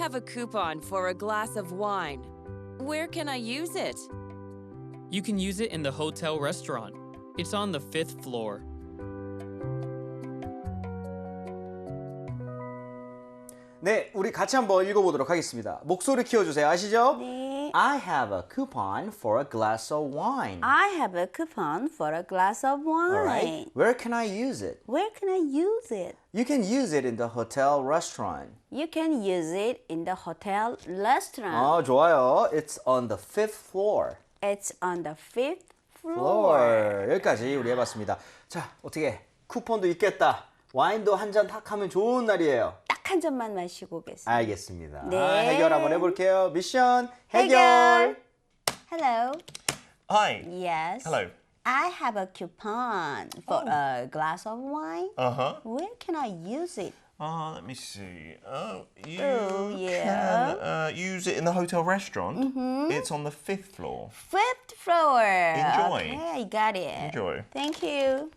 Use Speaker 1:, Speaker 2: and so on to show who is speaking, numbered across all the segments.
Speaker 1: have a coupon for a glass of wine. Where can I use it?
Speaker 2: You can use it in the hotel restaurant. It's on the 5th floor.
Speaker 3: 네, 우리 같이 한번 읽어보도록 하겠습니다. 목소리 키워주세요. 아시죠?
Speaker 4: 네.
Speaker 3: I have a coupon for a glass of wine.
Speaker 4: I have a coupon for a glass of wine.
Speaker 3: Alright. Where can I use it?
Speaker 4: Where can I use it?
Speaker 3: You can use it in the hotel restaurant.
Speaker 4: You can use it in the hotel restaurant.
Speaker 3: 좋아요. It's on the 5th floor.
Speaker 4: It's on the 5th floor.
Speaker 3: floor. 여기까지 우리 해봤습니다. 자, 어떻게 쿠폰도 있겠다. 와인도 한 잔 탁 하면 좋은 날이에요.
Speaker 4: 딱 한 잔만 마시고 오겠습니다.
Speaker 3: 알겠습니다.
Speaker 4: 네.
Speaker 3: 해결 한번 해볼게요. 미션 해결.
Speaker 4: Hello.
Speaker 5: Hi.
Speaker 4: Yes.
Speaker 5: Hello.
Speaker 4: I have a coupon for a glass of wine.
Speaker 5: Uh-huh.
Speaker 4: Where can I use it?
Speaker 5: Let me see. You
Speaker 4: yeah.
Speaker 5: can use it in the hotel restaurant. It's on the 5th floor.
Speaker 4: 5th floor.
Speaker 5: Enjoy.
Speaker 4: Okay, I got it.
Speaker 5: Enjoy.
Speaker 4: Thank you.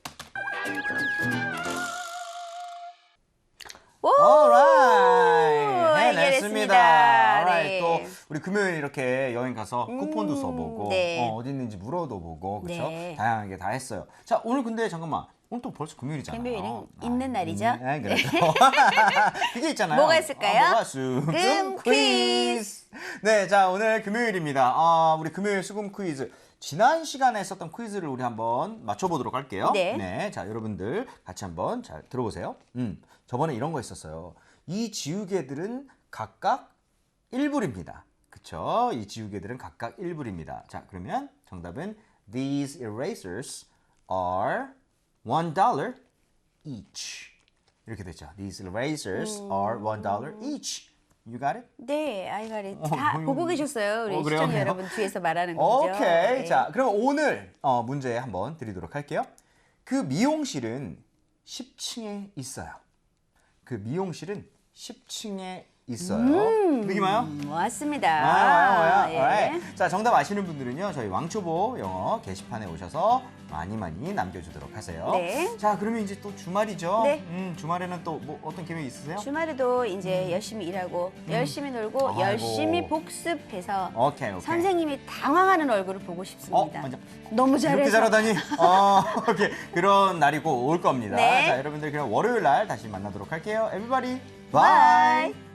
Speaker 4: 오!
Speaker 3: Alright. 해냈습니다.
Speaker 4: 해결했습니다.
Speaker 3: Alright.
Speaker 4: 네.
Speaker 3: 또 우리 금요일 이렇게 여행 가서 쿠폰도 써보고
Speaker 4: 네.
Speaker 3: 어디 있는지 물어도 보고 그렇죠?
Speaker 4: 네.
Speaker 3: 다양하게 다 했어요. 자, 오늘 근데 잠깐만. 오늘 또 벌써 금요일이잖아요.
Speaker 4: 금요일은 있는 날이죠?
Speaker 3: 네, 그렇죠. 그게 있잖아요.
Speaker 4: 뭐가 있을까요?
Speaker 3: 뭐가 수금
Speaker 4: 금
Speaker 3: 퀴즈. 네, 자 오늘 금요일입니다. 우리 금요일 수금 퀴즈. 지난 시간에 했었던 퀴즈를 우리 한번 맞춰보도록 할게요.
Speaker 4: 네.
Speaker 3: 자 여러분들 같이 한번 잘 들어보세요. 저번에 이런 거 있었어요. 이 지우개들은 각각 1불입니다. 그쵸? 이 지우개들은 각각 1불입니다. 자 그러면 정답은 These erasers are $1 each. 이렇게 됐죠. These erasers are $1 each. You got it?
Speaker 4: 네, I got it. 다 보고 계셨어요. 우리
Speaker 3: 그래요?
Speaker 4: 시청자 여러분 뒤에서 말하는 거죠.
Speaker 3: 오케이.
Speaker 4: 네.
Speaker 3: 자, 그럼 오늘 문제 한번 드리도록 할게요. 그 미용실은 10층에 있어요. 그 미용실은 10층에 있어요. 느낌 와요?
Speaker 4: 왔습니다.
Speaker 3: 와요.
Speaker 4: 예.
Speaker 3: Alright. 자, 정답 아시는 분들은요. 저희 왕초보 영어 게시판에 오셔서 많이 남겨주도록 하세요.
Speaker 4: 네.
Speaker 3: 자, 그러면 이제 또 주말이죠?
Speaker 4: 네.
Speaker 3: 주말에는 또 뭐 어떤 계획 있으세요?
Speaker 4: 주말에도 이제 열심히 일하고 열심히 놀고
Speaker 3: 아이고.
Speaker 4: 열심히 복습해서
Speaker 3: 오케이.
Speaker 4: 선생님이 당황하는 얼굴을 보고 싶습니다.
Speaker 3: 맞아.
Speaker 4: 너무 잘해서.
Speaker 3: 이렇게 잘하다니. 오케이. 그런 날이 꼭 올 겁니다.
Speaker 4: 네.
Speaker 3: 자, 여러분들 그럼 월요일 날 다시 만나도록 할게요. Everybody,
Speaker 4: Bye.
Speaker 3: bye.